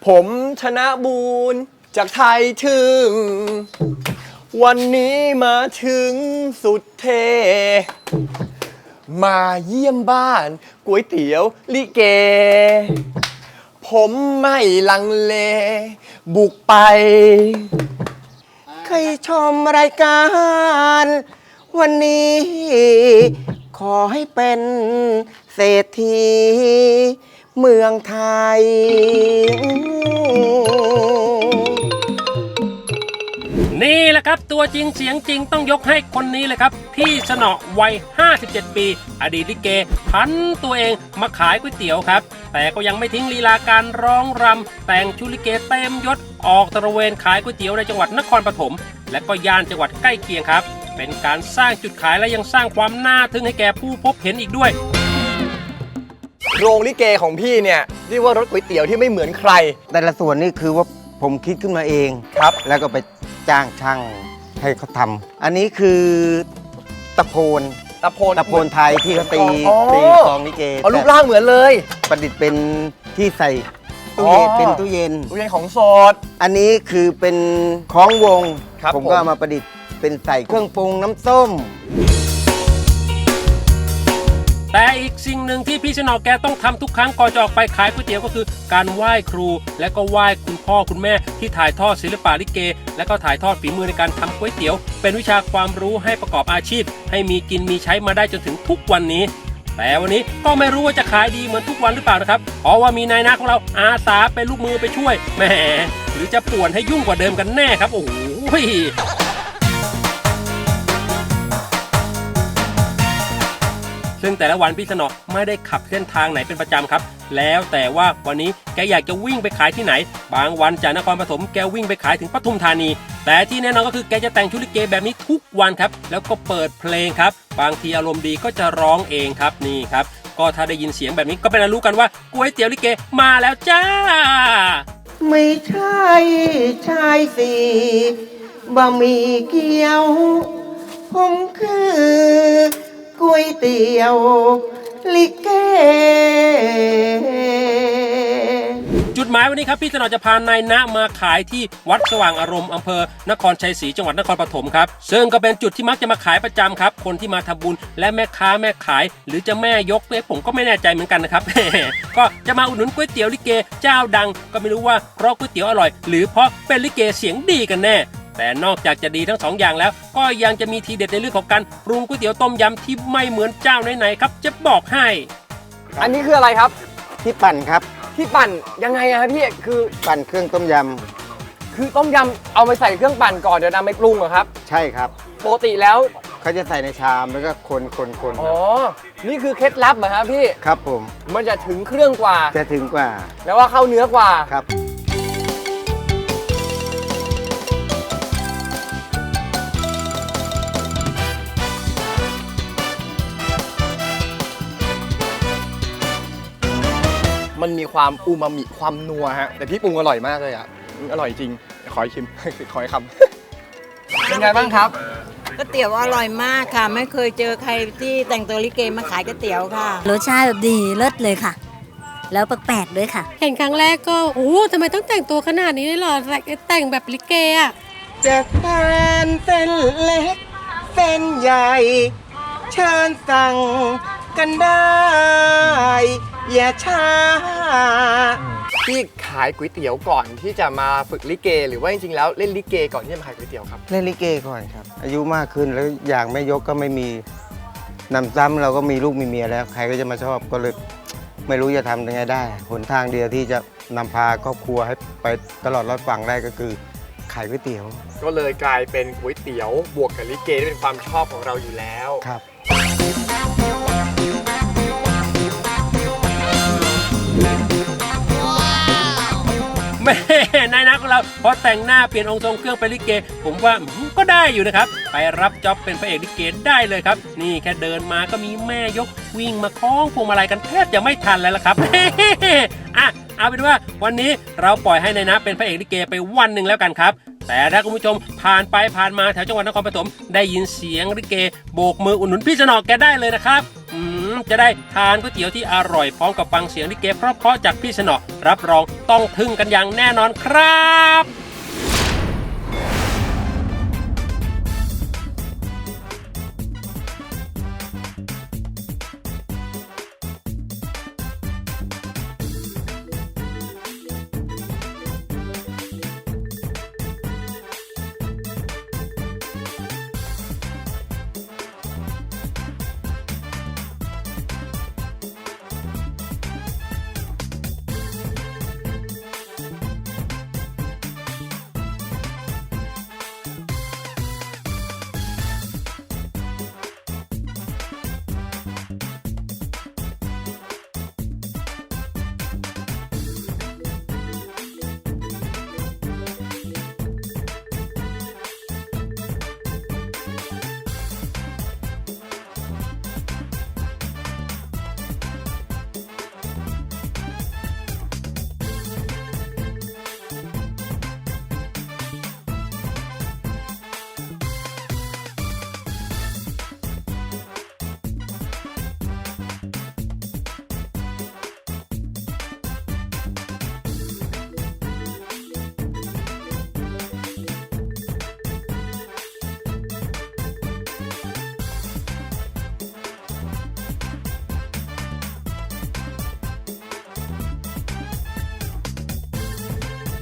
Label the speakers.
Speaker 1: ผมธนบูรณ์จากไทยถึงวันนี้มาถึงสุดเทมาเยี่ยมบ้านก๋วยเตี๋ยวลิเกผมไม่ลังเลบุกไปเคยชมรายการวันนี้ขอให้เป็นเศรษฐีเมืองไทย
Speaker 2: นี่แหละครับตัวจริงเสียงจริงต้องยกให้คนนี้เลยครับพี่สนอวัย57 ปีอดีตลิเกพันตัวเองมาขายก๋วยเตี๋ยวครับแต่ก็ยังไม่ทิ้งลีลาการร้องรำแต่งชุดลิเกเต็มยศออกตระเวนขายก๋วยเตี๋ยวในจังหวัดนครปฐมและก็ย่านจังหวัดใกล้เคียงครับเป็นการสร้างจุดขายและยังสร้างความน่าทึ่งให้แก่ผู้พบเห็นอีกด้วย
Speaker 1: โรงลิเกของพี่เนี่ยเรียกว่ารถก๋วยเตี๋ยวที่ไม่เหมือนใคร
Speaker 3: แต่ละส่วนนี่คือว่าผมคิดขึ้นมาเอง
Speaker 1: ครับ
Speaker 3: แล้วก็ไปจ้างช่างให้เขาทำอันนี้คือตะโพนไทยที่เขาตีกลองลิเก
Speaker 1: รูปร่างเหมือนเลย
Speaker 3: ประดิษฐ์เป็นที่ใส่ตู้เย็นเป็นตู้เย็น
Speaker 1: ของสด
Speaker 3: อันนี้คือเป็นคล้องวงผมก็เอามาประดิษฐ์เป็นใส่เครื่องปรุงน้ำส้ม
Speaker 2: แต่อีกสิ่งหนึ่งที่พี่ชนอแกต้องทำทุกครั้งก่อนจะออกไปขายก๋วยเตี๋ยวก็คือการไหว้ครูและก็ไหว้คุณพ่อคุณแม่ที่ถ่ายทอดศิลปะลิเกและก็ถ่ายทอดฝีมือในการทำก๋วยเตี๋ยวเป็นวิชาความรู้ให้ประกอบอาชีพให้มีกินมีใช้มาได้จนถึงทุกวันนี้แต่วันนี้ก็ไม่รู้ว่าจะขายดีเหมือนทุกวันหรือเปล่านะครับเพราะว่ามีนายหน้าของเราอาสาเป็นลูกมือไปช่วยแหมหรือจะป่วนให้ยุ่งกว่าเดิมกันแน่ครับโอ้โหซึ่งแต่ละวันพี่สนอไม่ได้ขับเส้นทางไหนเป็นประจำครับแล้วแต่ว่าวันนี้แกอยากจะวิ่งไปขายที่ไหนบางวันจากนครปฐมแกวิ่งไปขายถึงปทุมธานีแต่ที่แน่นอนก็คือแกจะแต่งชุดลิเกแบบนี้ทุกวันครับแล้วก็เปิดเพลงครับบางทีอารมณ์ดีก็จะร้องเองครับนี่ครับก็ถ้าได้ยินเสียงแบบนี้ก็เป็นอันรู้กันว่าก๋วยเตี๋ยวลิเกมาแล้วจ้า
Speaker 3: ไม่ใช่ชายสี่บะหมี่เกี๊ยวผมคือก๋วยเตี๋ยวลิเก
Speaker 2: จุดหมายวันนี้ครับพี่สนอจะพานายณมาขายที่วัดสว่างอารมณ์อำเภอนครชัยศรีจังหวัดนครปฐมครับซึ่งก็เป็นจุดที่มักจะมาขายประจำครับคนที่มาทำบุญและแม่ค้าแม่ขายหรือจะแม่ยกผมก็ไม่แน่ใจเหมือนกันนะครับ ก็จะมาอุดหนุนก๋วยเตี๋ยวลิเกเจ้าดังก็ไม่รู้ว่าเพราะก๋วยเตี๋ยวอร่อยหรือเพราะเป็นลิเกเสียงดีกันแน่แต่นอกจากจะดีทั้งสองอย่างแล้วก็ยังจะมีทีเด็ดในเรื่องของการปรุงก๋วยเตี๋ยวต้มยำที่ไม่เหมือนเจ้าไหนๆครับจะบอกให้
Speaker 1: อันนี้คืออะไรครับ
Speaker 3: ที่ปั่นครับ
Speaker 1: ที่ปั่นยังไงอะครับพี่คือ
Speaker 3: ปั่นเครื่องต้มย
Speaker 1: ำคือต้มยำเอาไปใส่เครื่องปั่นก่อนเดี๋ยวนำไปปรุงเหรอครับ
Speaker 3: ใช่ครับ
Speaker 1: ปกติแล้ว
Speaker 3: เขาจะใส่ในชามแล้วก็คน
Speaker 1: อ๋อนี่คือเคล็ดลับเหรอครับพี่
Speaker 3: ครับผม
Speaker 1: มันจะถึงเครื่องกว่า
Speaker 3: จะถึงกว่า
Speaker 1: แล้วว่าเข้าเนื้อกว่า
Speaker 3: ครับ
Speaker 1: มันมีความอูมามิความนัวฮะแต่พี่ปรุงอร่อยมากเลยอ่ะอร่อยจริงขอชิม ขอให้คำเป็นไงบ้างครับ
Speaker 4: ก๋วยเตี๋ยวอร่อยมากค่ะไม่เคยเจอใครที่แต่งตัวลิเกมาขายก๋วยเตี๋ยวค่ะ
Speaker 5: รสชาติแบบดีเลิศเลยค่ะแล้วแปลกๆด้วยค่ะ
Speaker 6: เห็นครั้งแรกก็โอ้ทำไมต้องแต่งตัวขนาดนี้เลยเหรอแต่งแบบลิเกอ่ะ
Speaker 3: จะทานเส้นเล็กเส้นใหญ่เชิญสั่งกันได้อย่าช้า
Speaker 1: พี่ขายก๋วยเตี๋ยวก่อนที่จะมาฝึกลิเกหรือว่าจริงๆแล้วเล่นลิเกก่อนที่จะมาขายก๋วยเตี๋ยวครับ
Speaker 3: เล่นลิเกก่อนครับอายุมากขึ้นแล้วอย่างแม่ยกก็ไม่มีนำซ้ำเราก็มีลูกมีเมียแล้วใครก็จะมาชอบก็เลยไม่รู้จะทำยังไงได้หนทางเดียวที่จะนำพาครอบครัวให้ไปตลอดรอดฝั่งได้ก็คือขายก๋วยเตี๋ยว
Speaker 1: ก็เลยกลายเป็นก๋วยเตี๋ยวบวกกับลิเกที่เป็นความชอบของเราอยู่แล้ว
Speaker 3: ครับ
Speaker 2: แม่นายนักของเราพอแต่งหน้าเปลี่ยนองค์ทรงเครื่องไปลิเกผมว่าก็ได้อยู่นะครับไปรับจ็อบเป็นพระเอกลิเกได้เลยครับนี่แค่เดินมาก็มีแม่ยกวิ่งมาคล้องพวงมาลัยกันแทบจะไม่ทันแล้วล่ะครับ อ่ะเอาเป็นว่าวันนี้เราปล่อยให้นายนะเป็นพระเอกลิเกไปวันหนึ่งแล้วกันครับแต่ถ้าคุณผู้ชมผ่านไปผ่านมาแถวจังหวัดนครปฐมได้ยินเสียงลิเกโบกมืออุดหนุนพี่สนอแกได้เลยนะครับจะได้ทานก๋วยเตี๋ยวที่อร่อยพร้อมกับฟังเสียงลิเกเพราะๆจากพี่สนอรับรองต้องทึ่งกันอย่างแน่นอนครับ